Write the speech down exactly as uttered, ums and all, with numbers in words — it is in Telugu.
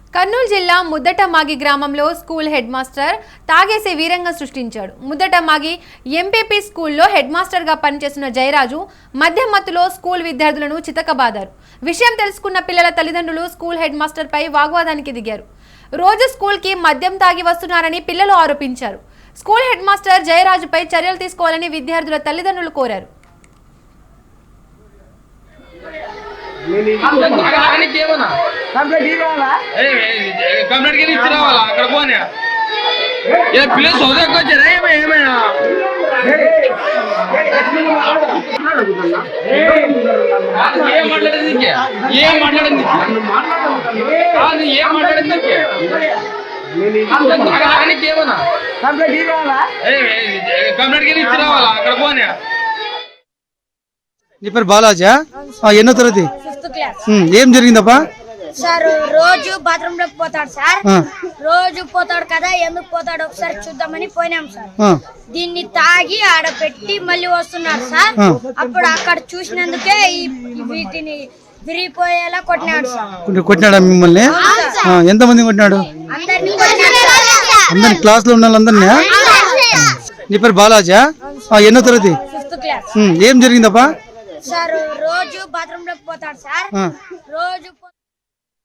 కర్నూలు జిల్లా ముద్దటమాగి గ్రామంలో స్కూల్ హెడ్ మాస్టర్ తాగేసి వీరంగం సృష్టించాడు. ముద్దటమాగి ఎంపీపీ స్కూల్లో హెడ్ మాస్టర్గా పనిచేస్తున్న జయరాజు మద్యం మత్తులో స్కూల్ విద్యార్థులను చితకబాదారు. విషయం తెలుసుకున్న పిల్లల తల్లిదండ్రులు స్కూల్ హెడ్ మాస్టర్ పై వాగ్వాదానికి దిగారు. రోజు స్కూల్కి మద్యం తాగి వస్తున్నారని పిల్లలు ఆరోపించారు. స్కూల్ హెడ్ మాస్టర్ జయరాజుపై చర్యలు తీసుకోవాలని విద్యార్థుల తల్లిదండ్రులు కోరారు. నీ పేరు బాలాజా? ఎన్నో తరగతి? ఏం జరిగిందప్పా? సార్ రోజు బాత్రూమ్ లోకి పోతాడు సార్. రోజు పోతాడు కదా, ఎందుకు పోతాడు ఒకసారి చూద్దామని పోయినాం సార్. దీన్ని తాగి ఆడ పెట్టి మళ్ళీ వస్తున్నాడు సార్. అప్పుడు అక్కడ చూసినందుకే వీటిని విరిగిపోయేలా కొట్టినాడు సార్. కొట్టినాడా మిమ్మల్ని? ఎంత మంది కొట్టినాడు? అందరి క్లాస్ లో ఉన్న వాళ్ళందరినీ? నీ పేరు బాలాజా? ఎన్నో తరగతి? ఏం జరిగిందప్పా? సార్ రోజు బాత్రూమ్ లోకి పోతాడు సార్. రోజు